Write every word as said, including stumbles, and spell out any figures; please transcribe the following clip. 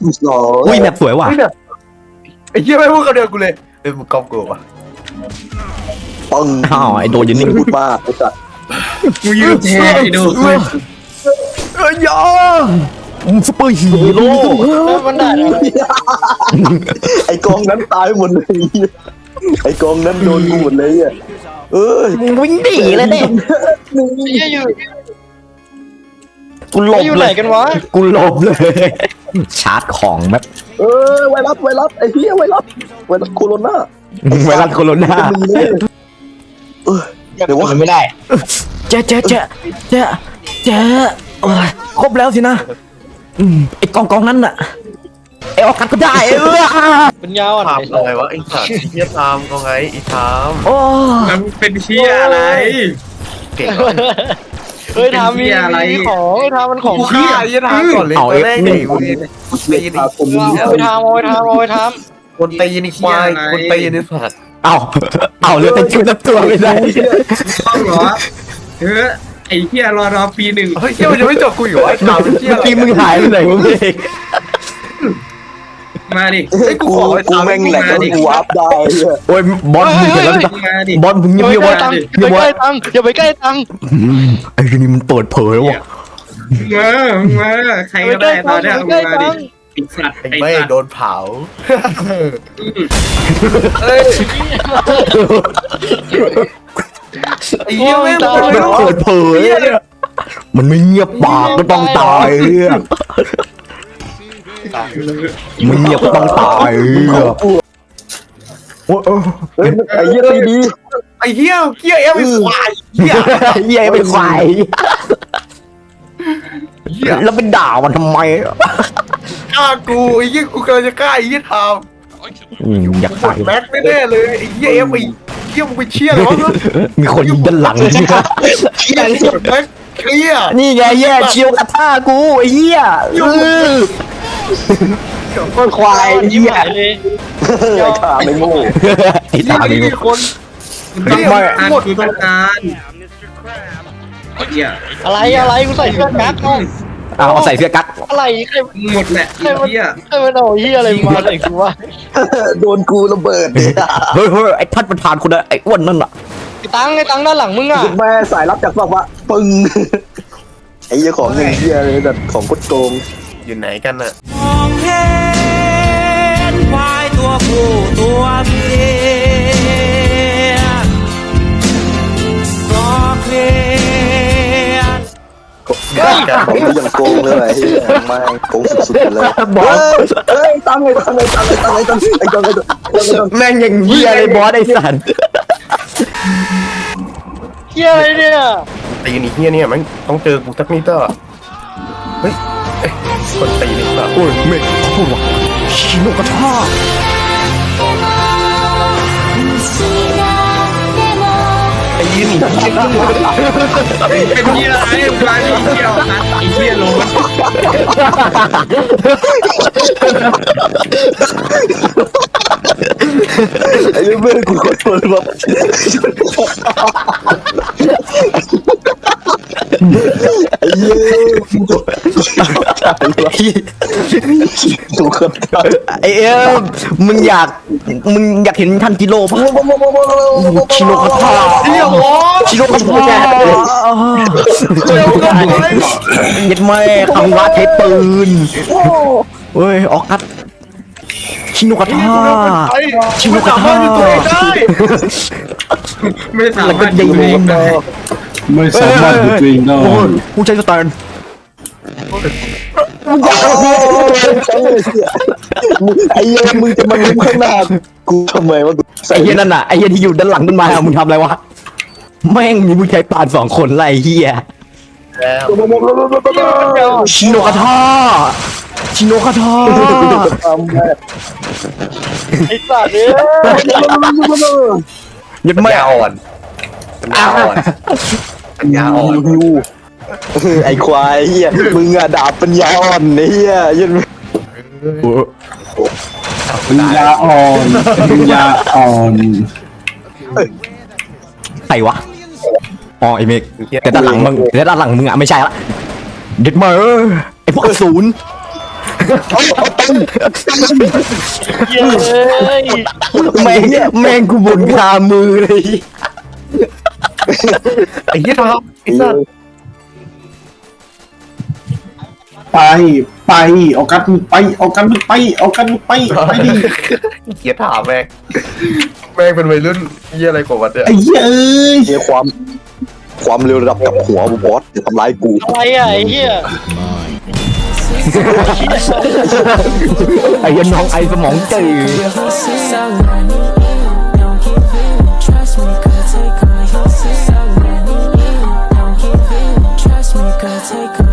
อุ้ยแบบสวยว่ะไอ้เหี้ยไม่พูดคำเดียวกูเลยเอ้ยมึงกอบกูป่ะปังอ้าวไอโดนยืนนิ่งพูดมากไอ้สัตว์กูยืนแทนไอ้ดูเอ้ยยาซุปเปอร์ฮีโร่มันได้ไอ้กองนั้นตายหมดเลยไอ้กองนั้นโดนกูหมดเลยอ่ะเอ้ยมึงวิ่งหนีเลยเนี่ยเหี้ยอยู่กูหลบอยู่เลไหนยกันวะกูหลบเลยชาร์จของแบบเออไวรัสไวรัสไอ้เหี้ยไวรัสไวรัสโคโรนาไวรัสโคโรนามีเลยเออเดี๋ยวว่ามันไม่ได้เจ๊เจ๊เจ๊เจ๊เจ๊โอ้ยครบแล้วสินะอืมไอกองกองนั้นน่ะไอออกัสก็ได้เออเป็นยาวอ่ะทำอะไรวะไอ้สัตว์ไอ้เหี้ยทำก็ไงไอ้ทโอ้มันเป็นเชี่ยอะไรำเก่งเฮ้ยทำมีมีของไอ้ทำมันของกูฆ่าไอ้เหี้ยทำก่อนเลยตอนแรกนี่กูตีนี่พาผมมีเอาไปทำเอาไปทำเอาไปทคนตีนี่ควายคนตีนี่สัตว์เอาเอาเหลือแต่ชุดตัวไม่ได้ต้องเหรอเออไอ้เหี้ยรอรอปีหนึ่งเฮ้ยเหี้ยมันยังไม่จบกูอยู่ไอ้ทำเป็นเหี้ยเมื่อกี้มึงหายไปไหนวะเองมาดิไอ้กูกูขอไอ้กูทำแม่งแหลกแล้วกูวาร์ปได้เนี่ยโอ้ยบอลมึงเห็นแล้วจ้ะมาดิบอลมึงำเงียบอย่าเงียบไปไว้ใกล้ตังค์เงีอย่ายบไปไว้ใกล้ตังค์อย่าไปใกล้ตังค์อืมไอ้นี่มันเปิดเผยแล้ววะมามาใครอย่าไปก็ใกล้ได้ตตัอง นค์เนี้อย ย่าไปใกล้ตังค์มาดิไอ้สัตว์ไอ้ไม่สัตว์โดนเผาเฮ้ยไอ้เหี้ยแม่งมันเปิดเผยเนี่ยมันไม่เงียบปากก็ต้องตายเนี่ยมันเงียบก็ต้องตายเนี่ยโอ้ยเฮ้ยไอ้เหี้ยตีดีไอ้เหี้ยเหี้ยเอ็มไอ้ควายเหี้ยเหี้ยเป็นควายเหี้ยแล้วเป็นด่ามันทำไมฆ่ากูไอ้เหี้ยกูกำลังจะฆ่าไอ้เหี้ยทอืมอยากำกตาดยแม็กไม่แน่เลยไอ้เหี้ยเอ็มไอ้เหี้ยมึงไปเชี่ยอะไรวะมีคนยิงด้านหลังกดแม็กเคลียร์นี่ไงแย่เชียวกระท่ากูไอ้เหี้ยเออต้นควายยิ้มเหี้ยหายเลยไอ้ขาไม่โง่ไอ้นี่ตานี่นี่มีคนต้องการกูต้องการไอ้เหี้ยอะไรอะไรกูใส่เสื้อกั๊กเอาเอาเอาใส่เสื้อกั๊กอะไรใครหมดแหละไอ้เหี้ยใครมันเอาเหี้ยอะไรมาใส่กูวะโดนกูระเบิดเนี่ยเฮ้ยเฮ้ยไอ้ท่านประธานคนนั้นไอ้อ้วนนั่นน่ะไอ้ตังค์ไอ้ตังค์ด้านหลังมึงอ่ะแม่สายรับจากฝั่งวะปึ้งไอ้เหี้ยของเงินเหี้ยเลยแบบของกดโกงอยู่ไหนกันน่ะมองเห็นควายตัวผู้ตัวเมียก็เคลียร์ของที่ยังโกงเลยไอ้เหี้ยไม่โกงสุดๆเลยบอสเอ้ยตังไอ้ตังไอ้ตังไอ้ตังไอ้ตังไอ้ตังไอ้ตังไอ้ตังแม่งอย่างเหี้ยเลยบอสไอ้สันเหี้ยอะไรเนี่ยตีนี่เฮียเนี่ยมันต้องเจอกูสักนิดเตอร์เฮ้ยเอ้ยคนตีนี่สัตว์โอ้ยเมฆเขาพูดว่าชิโนกระท่าไอ้ยี่นี่เป็นเหี้ยอะไรมาดิเหี้ยไอ้เหี้ยโลนไอ้เมื่อกูขอโทษว่าไอ้เหี้ยกูขอโทษกูขอโทษไอ้เอ็มมึงอยากมึงอยากเห็นทันจิโร่ปะชิโนกระท่าเฮียโว้ชิโนกระท่าเย็ดแม่คำว่าใช้ปืนเฮ้ยออกกัดชิโนกระท่าไอ้ชิวสามารถอยู่ตัวเองได้ไม่สาแล้วมาก็รถยิงอยู่เองได้ไม่สามารถหยุดตัวเองได้โอ้ยผู้ใช้สแตนไอ้เหี้ยมึงจะมาลุ้มข้างหน้ากูทำไมวะไอ้เหี้ยนั่นน่ะไอ้เหี้ยที่อยู่ด้านหลังต้นไม้อะมึงทำอะไรวะแม่งมีผู้ใช้ปานสองคนไรเหี้ยแล้วชิโนกระท่าชิโนกระท่าไอ้สัตว์เนี่ยยัดปัญแม่ญาอ่อนปัญญาอ่อนปัญญาอ่อนไอ้ควายเหี้ยมึงอะดาบปัญญาอ่อนเหี้ยยันปัญญาอ่อนปัญญาอ่อนใครวะอ๋อไอ้เมกแต่ด้านหลังมึงแต่ด้านหลังมึงอะไม่ใช่ละเด็ดมาไอ้พวกอสูรเย้ยแม่งแม่งกูบุญคามือเลยไอ้เหี้ยทามไอ้สัสไปไปเอากันไปเอากันไปเอากันไปไปดิเหี้ยถามแม่งแม่งเป็นวัยรุ่นเหี้ยอะไรกว่าวันเนี่ยไอ้เหี้ยเอ้ยเนี่ยความความเร็วระดับกับหัวบอสจะทำร้ายกูอะไรอ่ะไอ้เหี้ยไอ้ยันน้องไอสมองจืด Trust me, girl, take my